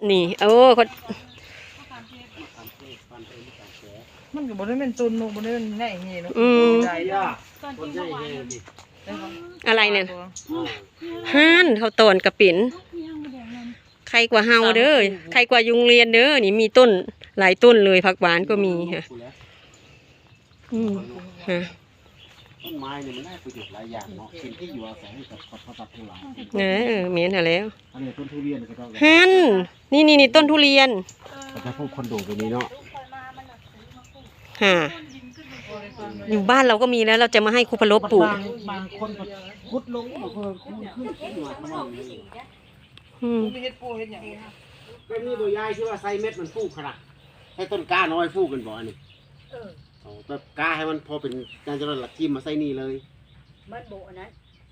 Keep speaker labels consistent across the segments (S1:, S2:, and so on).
S1: นี่โอ้คน
S2: มันก็บ่ได้เป็นตุนบ่ได้เป็นแง่อย่างงี้เนาะใจยากคนใหญ่แฮดิ
S1: อะไรเนี่ยห่านเขาต้นกระปิ่นใครกว่าเฮาเด้อใครกว่ายุงเรียนเด้อนี่มีต้นหลายต้นเลยผักหวานก็มีค่ะฮะ
S3: ต้นไม้เนี่ยมันได้ประโยชน์หลายอย่างเนาะเป็นที่อยู่อาศัยให้กับสัตว์ทั้งหลาย
S1: เหม็นหาแล้ว
S3: อันนี้ต้นทุเรียนก็ต้อง
S1: ฮันนี่ต้นทุเรียน
S3: แต่พวกคอนโดตัวนี้เนาะ
S1: ฮะอยู่บ้านเราก็มีแล้วเราจะมาให้ครูพลบปลูก
S3: บางคนก็ขุดลงมาเพิ่มขึ้นหน่วยประมาณนี้
S2: มีเฮ็ดปูเฮ็ดอย่าง
S3: ก็นี่ตัวยายชื่อว่าไซเม็ดมันฟูกขนาดให้ต้นกล้าน้อยฟูกกันบ่อันนี้ต้นกล้าให้มันพอเป็นการจะหลักจิ้มมาใส่นี่เลย
S4: มันโบนั้น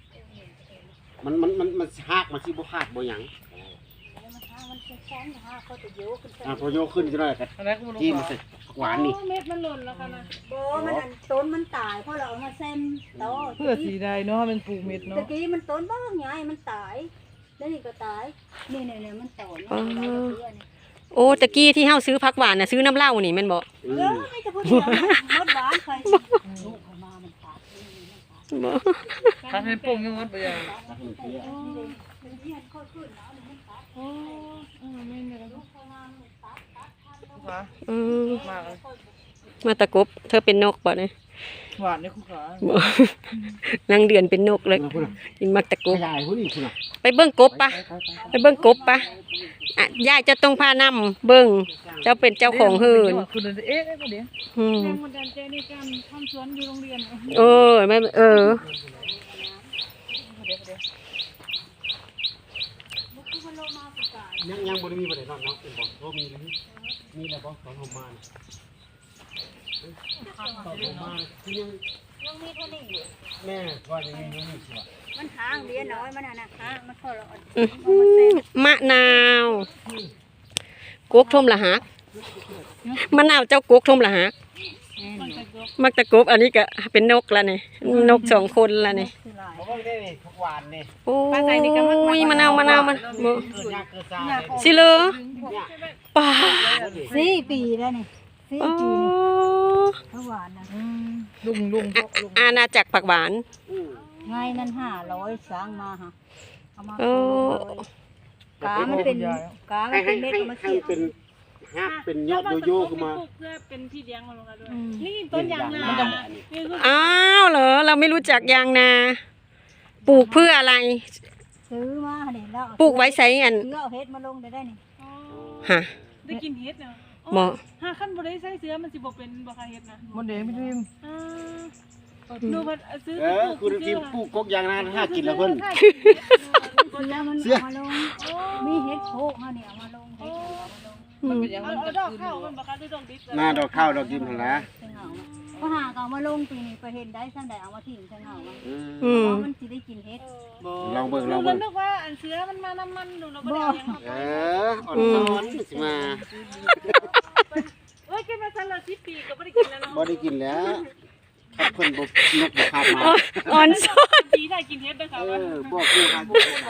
S3: มันหักมาที่บ่หักบ่หยังพอโยขึ้นจะได้กันจิ้มมาใส่หวานนี่
S4: เม็ดมันหล่นแล้วค่ะนะโบมันต้นมันตายเพราะเราเอามาเส้นโต
S2: เพื่อสีใดเนาะเป็นปลูกเม็ดเนาะ
S4: ตะกี้มันต้นบ้างไงมันตายแล้วนี่ก็ตายนี่มันต่อ
S1: โอ้ตะกี้ที่เฮาซื้อผักหวานน่ะซื้อน้ำเหล้านี่แม่นบ่
S4: ไม่จะพูดมดหวานใครลูกเขามามันตาย
S1: บ่
S2: ถ้าเป็นปลูกยังมดบ่ยัง
S1: มาตะกบเธอเป็นนกบ่เนี่ย
S2: หวานเนี่ยคุณขาน
S1: างเดือนเป็นนกเลยกินมักตะกบไปเบิ่งกบปะไปเบิ่งกบปะยายจะต้องพานำเบิ่งเจ้าเป็นเจ้าของเฮือน
S2: คุณเอ๊ะเดี๋ยวแรงบันดาลใจในการทำสวนอยู่โรงเรียน
S1: ไม่
S3: ยังบ่ได้มีบ่ได้นอนเนาะเป็นบ่โตมีแล้วบ่ตอนผมมา
S4: ยังมีเท่านี้อยู่
S3: แม่ว่ายังมีอยู่นี่สิว่า
S4: มันหางเลี้ยน้อยมันน่ะฮะมันพอเรา
S1: มะนาวกกทมละหักมะนาวเจ้ากกทมละหักมักตะกบอันนี้ก็เป็นนกละนี่นก2คนละนี่โอ้ยมะนาวมันสิเลยป่า
S4: 4 ปีแล้วนี่4 ปีนี่ผักหวานนะ
S2: ลุง
S1: อาณาจักรผักหวาน
S4: ไงนั้น500สร้างมาฮะเอามากามันเป็นเม็ดมาเสีย
S3: เป็นหักเป็นยอดโยขึ้นมา
S5: เพื่อเป็นที่เลี้ยงมันลงกันด้วยนี่ต้นยางนา
S1: อ้าวเหรอเราไม่รู้จักยางนาปลูกเพื่ออะไร
S4: ซื้อมาเด็ดแล้ว
S1: ปลูกไว้ใส่อัน
S4: เสื้อเอาเฮ็ดมาลงได้นี่
S1: ฮะ
S5: ได้กินเฮ็ดเนาะ
S1: หมอ
S5: หาขั้นบ่ได้ใส่เสื้อมันสิบ่เป็นบ่ค่ะเฮ็ดนะ
S2: มันเด้ไม่ทิม
S5: ดูว่าซื้อ
S3: คุณทีมปลูกกกยางนาถ้ากินแล้วเพิ่น
S4: เสื้อมันมาลงมีเฮ็ดโคมาเนี่ยมาลงเฮ็ด
S5: มันเป็นอย่างมันดอกข้าวมันบ่ค่ะดอกดิบ
S3: หน้าดอกข้าวดอกดิบหั่นล่ะ
S4: ก็หาเอามาลงปีนี้ไปเห็นได้ซั่นใดเอามาทิ้งซั่นเอามันสิได้กินเฮ็ด
S3: ลองเบิ่ง
S5: นึกว่าอันเสื้อมันมาน้ำมันดูเราบ่ได้ยัง
S3: อ่อนสิมา
S5: กินมาซั่นละ10 ปีก็บ่ได้กินแล้วเนาะ
S3: บ่ได้กินแล้วถ้าเพิ่นบ่นกบ่คาบมา
S1: อ่อนซ้อน
S5: ปีได้กินเฮ็ดเด้อค่ะ
S3: บอกอยู่ครับ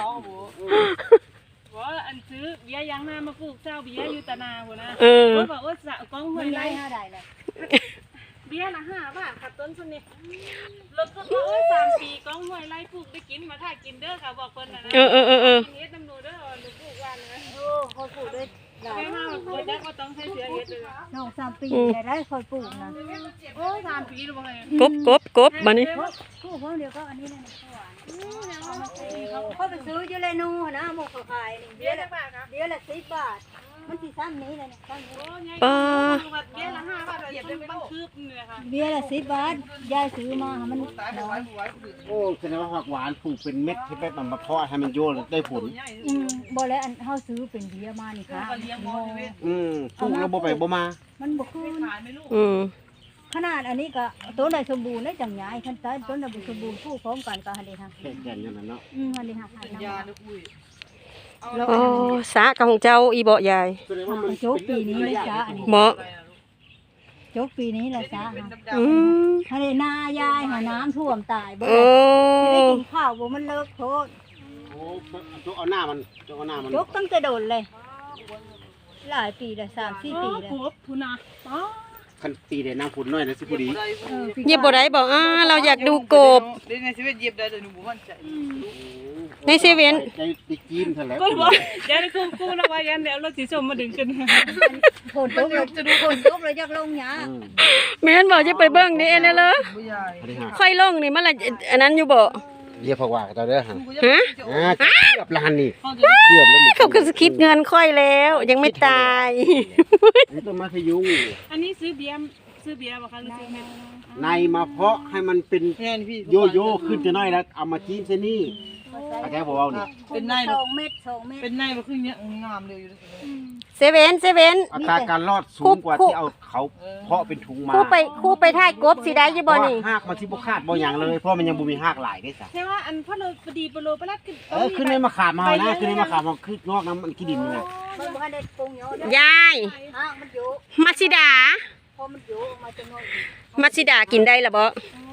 S5: ว่าอันซื้อเบี้ยยางนามาปลูกเจ้าเบี้ยอยู่ตะนาพุ่นนะบอกว่าสะกองห้วยไร่
S4: 5ได้เลย
S5: เบี้ยละ5 บาทค่ะต้นซุนี่แล้วก็3 ปีกองห้วยไร่ปลูกได้กินมาถ้ากินเด้อค่ะบอกเพิ่นน่ะนะเฮ็ดน้ำหนูเด้อหนูปลูกวันเลย
S4: เขาปลูกได้
S5: หลายมากเลยได้ก็ต้องใช้เสือเฮ็ดเลย
S4: น้อง3 ปีได้ค่อยปลูกนะ
S5: 3 ปีแล้วบ่ไง
S1: กบบัดนี้
S4: ปลูกพวกเดียวก็อันนี้นะเขาไปซื้ออยู่เลยนู่นนะหมกขายนี่เบี้ยละ10 บาทมันสิซ้ำนี้เลยซ้ำนี้
S5: เบี้ยละ5 บาทเหยียบได้บางคืบนี่ค่ะ
S4: เบี้ยละ10 บาทยายซื้อมามันน้อย
S3: โอ้แสดงว่าผักหวานปลูกเป็นเม็ดที่ไปมาเพาะให้มันโยนได้ผล
S4: บ่แล้วอันเฮาซื้อเป็นเบี้ยมานี่ค่ะ
S3: ปลูกแล้วบ่ไปบ่มา
S4: มันบ่คืนขนาดอันนี้ก็ต้นใดสมบูรณ์ได้จังใหญ่คันต้นใดบ่สมบูรณ์ปลูกพร้อมกันก็หั่นเด้ค่ะ
S3: แก่นอย่างนั้นเนาะ
S4: หั่นเด้ค่ะ
S2: ยาลูกอุ้ย
S1: โอ้สาของเจ้าอีบ่ยาย
S4: โจกปีนี้เลยจ้าอันนี้
S1: บ่
S4: โจกปีนี้เลยจ้าหั่นเด้นายายหาน้ำท่วมตายบ่ได้กินข้าวบ่มันเลิกโทษ
S3: โอ้เอาหน้ามัน
S4: โจกตั้งแต่โดนเลยหลายปีแล้ว3-4 ปี
S5: อ๋อ
S4: แล้ว
S5: กบพูนะอ๋อ
S3: คันตีได้น้ำฝนน้อยนะสิพอดี
S1: เหยียบบ่ได้บอกเราอยากดูกบ
S2: เดี๋ยวในชีวิตเหยียบได้แต่หนูบ่มั่นใจ
S1: ในเซเว่น
S3: ได้จีนเท่าแล้ว
S5: ก็บอกเดี๋ยวกูนะว่ายันเดี๋ยวรถสีส้มมาดึงขึ้น
S4: ฝนตกแล้วจะดูฝนตกแล้วอยากลงหญ้า
S1: แม่นบอกจะไปเบิ่งนี่เอ็นเลย
S2: บ่ยาย
S3: สวัสดีครับ
S1: ค่อยลงนี่มันละอันนั้นอยู่บ่
S3: เรียกผักหวานกับเจ้าเด้อฮะ
S1: ฮะ
S3: เกือบล้านนี่เกือบแล้วนี่
S1: เขาก็คิดเงินค่อยแล้ว ยังไม่ตาย
S3: นี่ต้นไม้พยุง
S5: อันนี้ซื้อเบียร์บ่คะหรือซื้อเม็ด
S3: ในมาเพาะให้มันเป็น
S2: แม่นพี่
S3: โยโย่ขึ้นจะน้อยแล้วเอามาจิ้มเส้นนี่อาจารย์บอกว่านี่
S2: เป็นใน
S4: 2 เม็ด
S2: เป็นในบ่คือเนี้ยงามเลยอยู่ด้วย
S1: เซเว่น
S3: อัตราการรอดสูงกว่าที่เอาเขาเพาะเป็นถุงมา
S1: คู่ไปถ่ายกบสิได้อยู่บ่นี่
S3: หากมันที่บ่คาดบ่อย่างเลยเพราะมันยังบ่มีหากหลายได้ซะ
S5: ใช่ว่าอันพ่อเราพอดีปโลปลัดขึ้น
S3: ขึ้นในมะขามมานะขึ้นในมะขามมาขึ้นงอกน้ำมันขี้ดินนี่นะ
S4: มันบ่ได้ปรุงเยอะ
S1: ยาย
S4: มันอยู่
S1: มัชิดา
S4: พอมันอยู่มาจะน้อย
S1: มัชิดากินได้ละบ่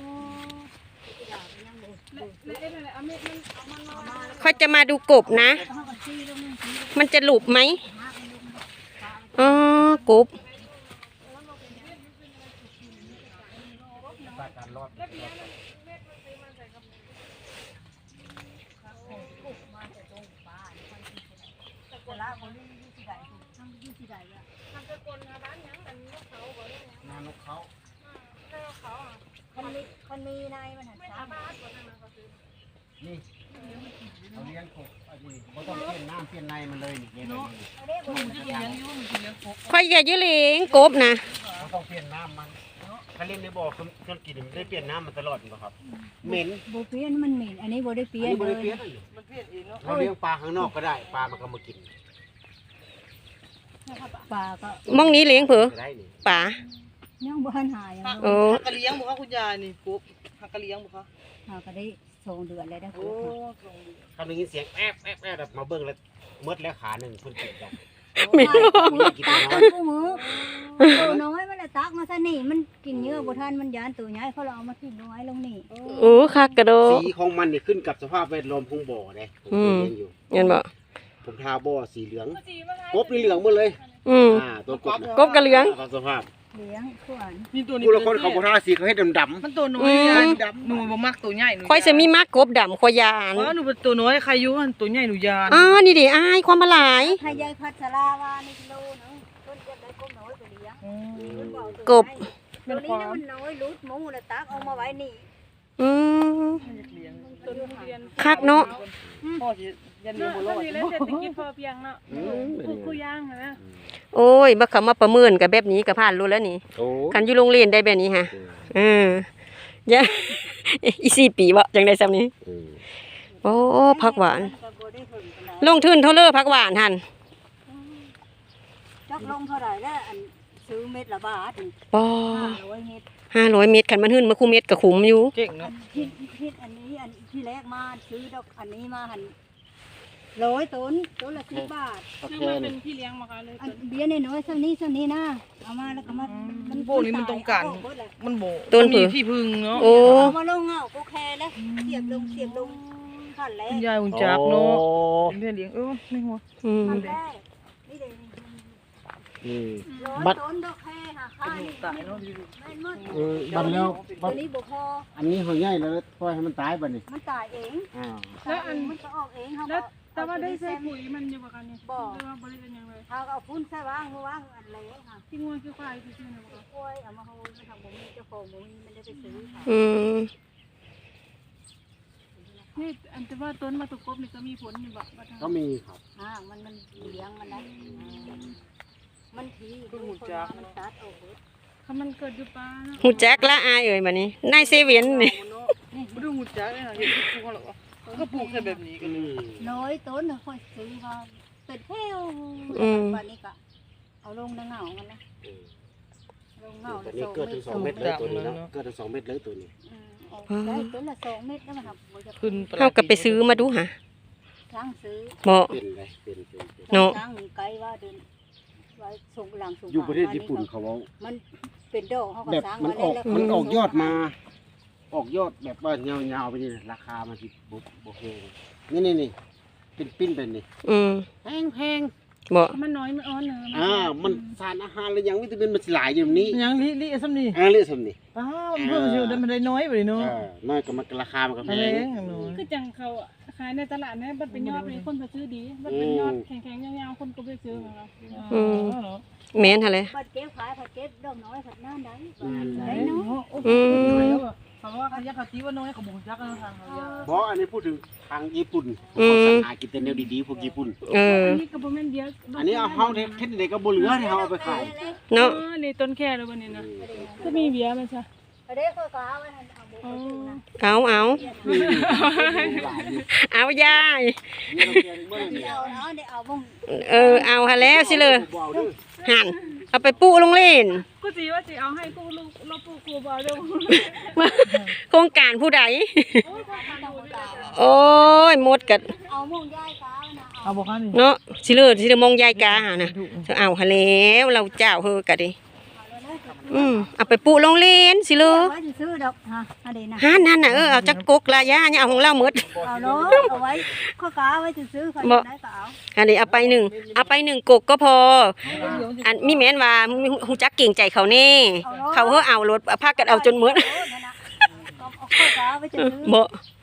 S5: เอาเม็ดมันเอามันมา
S1: เขาจะมาดูกบนะ มันจะหลุบไหมอ๋อกบ
S3: การรอด นานกเขา
S4: มันมีในมันหันซ้ำ
S3: นี่เขาเลี้ยงกบอันนี้เขาต้องเปลี่ยนน้ำเปลี่ยนในมันเลยนี่เนาะ
S1: ค่อยอย่ายื้อเลี้ยงกบนะ
S3: เขาต้องเปลี่ยนน้ำมันถ้าเลี้ยงในบ่อเครื่องกินมันได้เปลี่ยนน้ำมันตลอดอยู่ครับเหม็น
S4: บ่เปลี่ยนมันเหม็นอันนี้บ่ได้เปลี่ย
S3: อัน
S4: น
S3: นี้บ
S4: เล
S3: ริ
S4: ย
S3: เปลี่ยน
S2: มันเปลี่ยนเองเนาะ
S3: เราเลี้ยงปลาข้างนอกก็ได้ปลามันก็มากิน
S4: ปลาก็
S1: มองนี้เลี้ยงเผือ
S3: ได้นี่
S1: ป่า
S4: ยังบ่ทันหาย
S1: โอ้
S2: ฮักกะเลี้ยงบ่คะคุณยายนี่กบฮักกะเลี้ยงบ่คะ
S4: หาก็ได้2 เดือนแล้วได้
S2: โอ้
S3: คำได้ยินเสียงแอบแบบมาเบิ่งแล้วมดแล้วขาหนึ่งคนติดกัน
S1: ไม่รู้
S4: ตักกันกูมือตัวน้อยมันตักมาซะนี่มันกินเยอะบ่ทันมันยานตัวใหญ่เขาเอามาทิ้งน้อยลงนี่
S1: โอ้คักกระโดด
S3: สีของมันนี่ขึ้นกับสภาพแวดล้อมของบ่อเลยผมเลี้ยงอยู่
S1: เงินบ่
S3: ผมทาบ่อสีเหลืองกบนี่เหลืองหมดเลย ตัวกบนะ
S1: กบกระเหลือง
S3: ตามสภาพ
S4: เลี้ยงขวาน
S2: นี่ตัวนี้
S3: ผู้ละคนเขาบ่ทาสีเขาให้ดำ
S2: มันตัวน้อยยายดำหนูบ่มักตัวใหญ่หนู
S1: ค่อยจะมีมากกบดำขอยาน
S2: อ๋อหนูเป็นตัวน้อยใครอยู่มันตัวใหญ่หนูยาน
S1: นี่ดิอายความมาหลาย
S4: ให้ยายพัชราว่านี่กิโลนึงเพิ่นจะได้กบน้อยไปเลี้ยงเพิ่นบอก
S1: กบ
S4: ตัวนี้นะมันน้อยลุดหมูแล้วตักเอามาไว้นี่
S1: อืม
S2: เลี้ยง
S5: ต้นทุเรียน
S1: คักเนาะ
S2: พ่อสิยันเลี้ยงบ่รอด
S5: นี่แล้วเศรษฐกิจพอเพียงเนาะคู่ย่างนะ
S1: โอ้ยบักเขามาประเมินกับแบบนี้ก็ผ่านรู้แล้วนี่
S3: โอ้
S1: คันอยู่โรงเรียนได้แบบนี้ฮะอย่า อี4 ปีวะจังได้ซ้ำนี้ โอ้ผักหวาน
S4: ก็บ่ได้เพิ่นปานใด
S1: ลงทุนเท่าเลอผักหวานหั่น
S4: จักลงเท่าไหร่แล้วอันซื้อเม็ดละบาทนี่
S1: ปอ
S4: 500เม็ด
S1: 500 เม็ดคันมันขึ้นมาคู่เม็ดก็คุ้มอยู่
S2: เก่งเนาะ
S4: คิดอันนี้อันที่แรกมาซื้อดอกอันนี้มาหัน100ต้นละ10 บาท
S5: คือมันเป็นพี่เลี้ยงมาค่ะเลย
S4: อันเบี้ยน้อยๆซ้ำนี้นะเอามาแล้วก็มา
S2: พวกนี้มันต้องการ
S4: เอเบิดเลย
S2: มันโบ
S1: ต้น
S2: มี
S1: ผือ
S2: ที่พึ่งเนาะ
S1: โอ้
S4: เอามาลงเงากูแค่แล้วเสียบลงขั้นแร
S2: คุ
S4: ก
S2: ณยายคุณจักเนาะเป็นแม่เลี้ยงในหัว
S1: อืม
S4: ขั้นแรกนี่เดี๋ยวนี้
S3: บัด
S4: ต้นดอกแค่ค่ะค่านี่
S2: ตายเนาะ
S4: แม่นหมด
S3: บัดแล้ว
S4: ตัวนี้บ่พอ
S3: อันนี้หัวใหญ่แล้วปล่อยให้มันตายบัดนี้
S4: มันตายเอง
S5: แล้วอัน
S4: มันก็ออกเองเขา
S5: แล้ว
S4: ก็
S5: แต่ว่าได้ใส่ปุ๋ยมันอยู่ประกันเนี่ยหรือว่าบริเวณยังไง
S4: เขาก็เอาฟุ้นใส่ว่างมือว่างอันเล็กค่ะ
S5: ที่งูคือควายที่ชื่อเนี่ยบอก
S4: กล้วยเอามาโหยมาทำบ่มีเจ้าของบ่มีมันได้ไปซื้อค่ะ
S1: อืม
S5: นี่อันแต่ว่าต้นมาตุกกบนี่ก็มีผลอยู่บ่
S3: ก็มีครับ
S4: มันเลี้ยงมันได้มันทีดูคนมามันตัดออกเบิด
S5: ถ้ามันเกิดอยู่ป่าเนาะ
S1: ฮู้จักละอายเอ่ยบัดนี้นายเซเว่นนี่
S2: บ่ดูหูจักเลยเห็นปลูกเขาหรอก็ปลูกแค่แบบนี้กัน
S4: น้อยต้นน่ะค่อยซื้อมาเป็นแถววันนี้ก็เอาลงในเงามันนะลงเงา
S3: ตัว
S4: แล้ว
S3: นี้เกิดถึง2 เม็ดเลยตัวนี้เนาะเกิดถึง2 เม็ดเลยตัวนี้
S4: ได้ต้นละ2 เม็ดแล้วมันครับบ่จะ
S2: ขึ้น
S1: เฮาก็ไปซื้อมาดูหะ
S4: ล้างซื้อ
S1: บ่
S3: เป็นไรเป็น
S1: เนาะ
S4: ล้างไกลว่าเดินไว้ส่งหลังส่ง
S3: อยู่ประเทศญี่ปุ่นเขาเอา
S4: มันเป็นดอกเขาก็
S3: แบบ
S4: สร้าง
S3: มัน
S4: ไว้
S3: ออก
S4: แล้ว
S3: มันออกยอดมา ออกยอดแบบว่ายาวๆไปนี่ราคามันสิบ่แพงนี่เป็นปิ้นเป็นนี่
S1: อืม
S3: แพง
S1: บ่
S5: มันน้อยมันอ่อนเนอะ
S3: มันสารอาหารแล้วยังวิตามินมันสิหลายอยู่นี้
S2: ยังลิซ้ำนี่
S3: เรื่องสำนี่
S2: อ้าวเพิ่มสิมันได้น้อยไปเนาะ
S3: น้อยก็มันราคามันก็แพ
S2: อะไร
S3: ง
S2: อย่างน้อย
S5: คือจังเขาขายในตลาดเนี่ยมันเป็นยอดเลยคนไปซื้อดีมันเป็นยอดแข็งๆยาวๆคนก็ไปซื้อของเรา
S1: แม่นหั่นแหละ
S4: ผัดเก็บขายผัดเก็บดอกน้อยผัดน้ำได้
S2: ได้เนาะ
S1: อืม
S2: คำว่าเขายักษ์ตีว่าน้อยเขาบอกยักษ์นะทางเขา
S3: เพราะอันนี้พูดถึงทางญี่ปุ่น
S1: อืม
S3: เขาสั่งหากินแต่แนวดีๆพวกญี่ปุ่น
S1: เออ
S5: อันนี้ก็บ่แม่นเดียว
S3: อันนี้เอาเฮาเฮ็ดได้ก็บ่เหลือที่เฮาเอาไปขาย
S1: เนาะ
S5: นี่ต้นแค่แล้ววันนี้นะก็มีเบียร์มันซะ
S4: เด็กก็กาไว้ให้เอาบุก
S5: อ๋อ
S1: เอายาย
S4: เอาเนาะเดี๋ยวเอาบุ้ง
S1: เอาหั่นแล้วสิเลย
S3: บ่เอาเด้อ
S1: หั่นเอาไปปูโรงเรียน
S5: กูสิว่าสิเอาให้กูลูกเราปลูกกูบ่เด้อ
S1: โครงการผู้ใด โอ้ยหมดกัน
S4: เอาบุ้งย่ายกานะ
S2: เอาบอกกันนี่
S1: เนาะสิเลยมองยายกาหานะจะเอาหั่นแล้วเราเจ้าเฮอกะดิเอาไปปูโรงเรียนสิเลย
S4: ไว้ซื้อดอกฮะอะไรนะ
S1: หั่นน่ะเอาจักกกละย่าเนี่ยเอาของเราหมด
S4: เอาเนาะเอาไว้ข้อกาไว้ซื้อเขาได้ก็เอา
S1: อันนี้เอาไปหนึ่งกกก็พอ อันมีแม่นว่าฮู้จักเก่งใจเขาแน่เขาเฮาเอารถพากันเอาจนหมด
S4: ข้อกาไว้ซื้อ
S1: บ่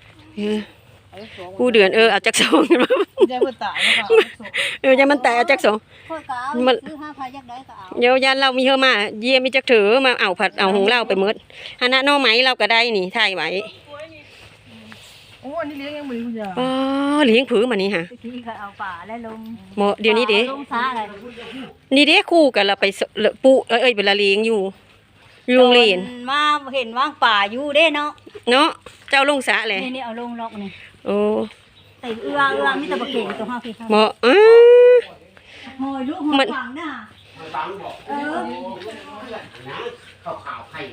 S1: กูเดือนเอาจักสอง
S2: ยายเพิ่นตายแล้วค่ะ
S1: อย่ามันแต่เอาจักสอง
S4: ข้อกาไว้ซื้อ5,000ยักได้ก็เอา
S1: เดี๋ยวยันเรามีเฮามาเยี่ยมีจักถือมาเอาผัดเอาของเราไปหมดหันน่ะหน่อไม้เราก็ได้นี่ถ่ายไว้
S2: โอ้อันนี้เลี้ยงยังบ่คุณยาย
S1: อ๋อเลี้ยงผือมานี่ค่ะ
S4: ที่เขาเอาป่าและลง
S1: บ่เดี๋ยวนี้เด้
S4: ลงซาอะไร
S1: นี่เด้คู่กันเราไปปุเวลาเลี้ยงอยู่โรงเรียน
S4: มาเห็นว่างป่าอยู่เด้เนาะ
S1: เนาะเจ้าลงสะเลย
S4: นี่เอาลงล็อกนี่
S1: โอ้
S4: แต่เอื้อมีแต่บะเก่งตัวห้าพี่ค่ะ
S1: บ่
S4: หอยลูกหอยฝังน่ะ
S3: ฟังบอก
S4: เออ
S3: นะข่าวไข่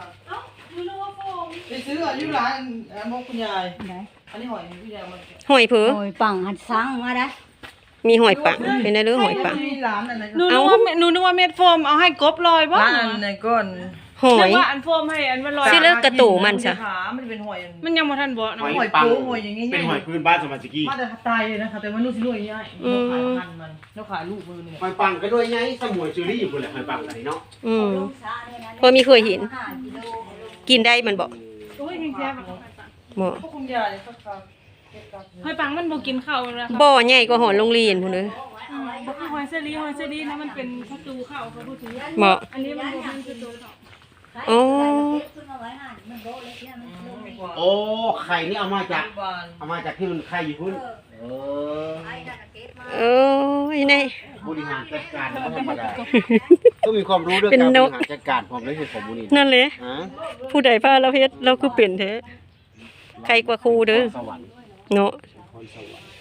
S2: ไปซื้ออยู่ร้านมองคุณยาย
S4: ไหน
S2: อันนี้หอยคุณยายมัน
S1: หอยผือ
S4: หอยปังหัดซังมาได้
S1: มีหอยปังเป็นได้หรือหอยปัง
S2: มีร้านอะไร
S5: หนูนึกว่าเม็ดโฟมเอาให้กบลอยบ่
S2: ร้านไหนก่อน
S1: หอ
S5: นึ
S1: ย
S5: กว่าอันโฟมให้อันมันลอย
S1: สิเลิกกระตู่มันซะ
S2: ขามันเป็นหอย
S5: มันยังบ่ทันบ่เนาะ
S2: หอยปูหอยอย่างงี้
S3: เป็นหอยพื้นบ้านสมัยตะกี้
S2: มาแต่ตายเลยนะคะแต่ว่านู่นสินู่นอย่างเงี้ยเราขายพันมันเราขายลูกมือเนี่ย
S3: หอยปังก็ด้วยไงสมุยเชอรี่อยู่พุ่นแหละหอยปังกันนี่เนาะ
S4: ลงซาเนี่ยนะ
S1: พอมีเคยเห็น
S4: 5 กิโล
S1: กินได้มันบอก
S5: โอ้ยแซ่บ
S1: บ่
S2: พวกคุณยายเนี่ยสักครั้ง
S5: หอยปังมันบ่กินข้าวแล้วค่ะ
S1: บ่ใหญ่กว่าหอโรงเรียนพุ่นเด้อ
S5: บ่คือหอยเซรีนะมันเป็นประตูเข้าเขาพูดถึง
S1: บ่
S5: อันนี้มันบ่เป็นประตูเข้า
S1: โอ้
S4: ขึ้นมาไว้ห่านมันโบเล็กเนี่ยมันลง
S3: โอ้ไข่นี่เอามาจาก
S2: บ้าน
S3: เอามาจากที่มันไข่อยู่พุ่นเออ
S4: ไอ้นั่นเก็บมา
S1: โอ้ยใน
S3: บริหารจัดการไม่ธรรมดาต้องมีความรู้เรื่อง
S1: เป็น
S3: การบ
S1: น
S3: ริ
S1: ก
S3: หารจัดการผมเลยคือผมมูนี่
S1: นั่นแหละ
S3: ฮะ
S1: ผู้ใดพาเราเฮ็ดเราคือเป็นแท้ใครกว่าครูเด้อ
S3: สวรรค์
S1: เนาะ
S3: พรสวรรค์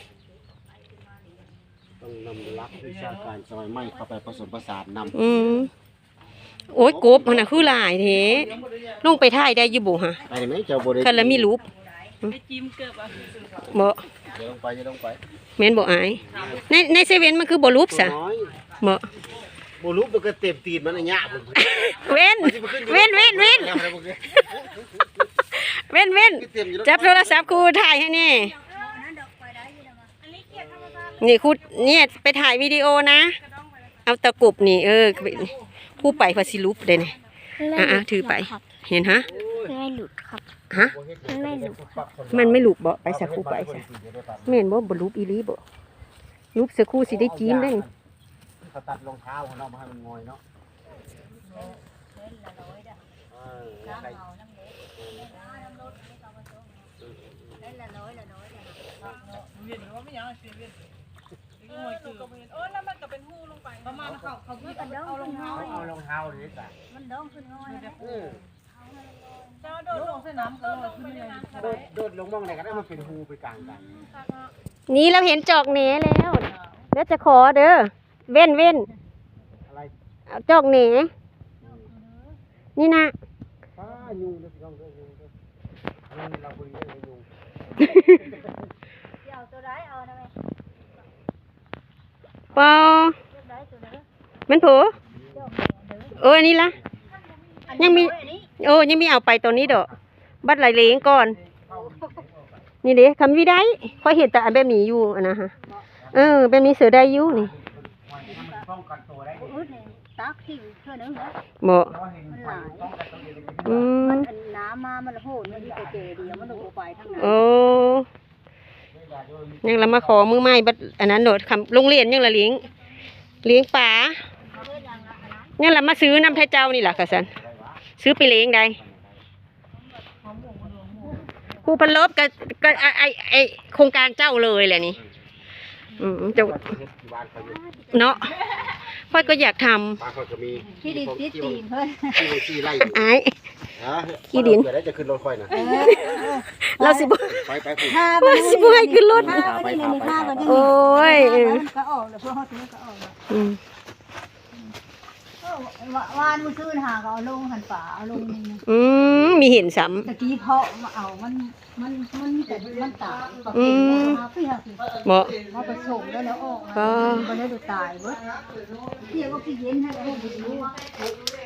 S3: ต้องนำลักวิชาการสมัยใหม่เข้าไปผสมผสานนำ
S1: โอ้ยกบมันน่ะคือหลายแท้ลงไปถ่ายได้อยู่บ่ฮะ
S3: ไปได้ไหมเจ้าบริ
S1: คันละมีรูป
S5: ไปจิ้มเกือบอ่ะ
S1: บ่
S3: จะลงไปจะลงไป
S1: แม่นบ่อายในเซเว่นมันคือบ่รูปซะ
S3: น้อย
S1: บ่
S3: บรูปมันก็เต็มตีนมันอันยะผม
S1: เว้นเว้นเว้นเว้นเว้นเว้นจับโทรศัพท์ครูถ่ายให้แน่
S4: นั้นดอกไปได้อยู่นะมา
S5: อันนี้เกียรติธรรมชาติ
S1: นี่ครูเนี่ยไปถ่ายวิดีโอนะ เอาตะกรุบนี่ครูไปพาสิลุปเด้นี่ถือไป เห็นฮะ
S4: ไม่หลุดครับ
S1: ฮะ มันไม่ลุบบ่ไปสักครู่ไปซะแม่นบ่ลุบอีหลีบ่ลุบสักครู่สิได้จีนได้
S3: เขาตัดรองเท้าของเรามาให้มันงอยเนาะ
S5: แล้วมันก็เป็นหูลงไปประมาณเขา
S4: เอารองเท้า
S3: เอารองเท้าเลยจ้ะ
S4: มันดองขึ้นน้อยนะ
S5: เจ้าโดดลงเส้นน้ำก็ลงขึ้นเลย
S3: โดดลงมองไหนก็ได้มันเป็นหูไปกลางกัน
S1: นี่เราเห็นจอกเหนแล้วแล้วจะขอเด้อเว้น
S3: อะไร
S1: เอาจอกเหนนี่นะ
S3: ป้ายุงเด้อพี่น้องเด้อยุงเด้อเราบริเวณยุง
S4: เอาตัวได้เอานะแม่
S1: ปอ
S4: ตัวได้ตัวนี้
S1: มันเผลออันนี้ละยังมียังมีเอาไปตัวนี้ดอกบัดไหลเลงก่อน นี่เด้คำวิได้ค่อยเห็นแต่อันแบบนี้อยู่นะฮะแบบนี้เสือได้อยู่นี่
S3: ป้องกันตัวได้
S4: อุดนี่ตักทิ้งเท่านึงนะ
S1: บ่
S3: เราเห็นไฟป้องกันตัวเอง
S1: อืม
S4: มันอันน้ำมามันโหดมันมีแต่เจเดียวมันลงไปทั้งนั้น
S1: โอ้ยังละมาขอมือไม้บัดอันนั้นโดดคำโรงเรียนยังละเลี้ยงป่ายังละมาซื้อน้ำไทยเจ้านี่ล่ะค่ะสันซื้อไปเลี้ยงได้ครูพันลบก็ไอโครงการเจ้าเลยแหละนี่เจ้าเนาะพ่อยก็อยากทำ
S3: บางคนก็มี
S4: ที่ดินที่ตีนเพิ่น
S3: ที่ไล่
S1: ไอ้
S3: ขี้ดินเดี๋ยวจะขึ้นรถค่อยนะ
S1: เราสิบ่
S3: ไปผูก
S4: ถ้า
S1: ว่าสิบ่ให้ขึ้นรถ
S4: ถ้าไปนี่ถ้าไปนี่
S1: โอ้ย
S4: ก็ออกแล้วเพราะเขาถือก็ออกแล้ว
S1: อืม
S4: วานมันซื้อหาก็เอาลงหันป่าเอาลงนี่
S1: มีเห็นซ้
S4: ตะกี้เพาะมาเอามันมีแต่มันตายปกติมาพี่ฮะ
S1: ำบ่
S4: มาผสมแล้วออก
S1: ก็
S4: มันได้ดูตายเบิดเที่ยวก็พี่เย็นให้เอาไปดู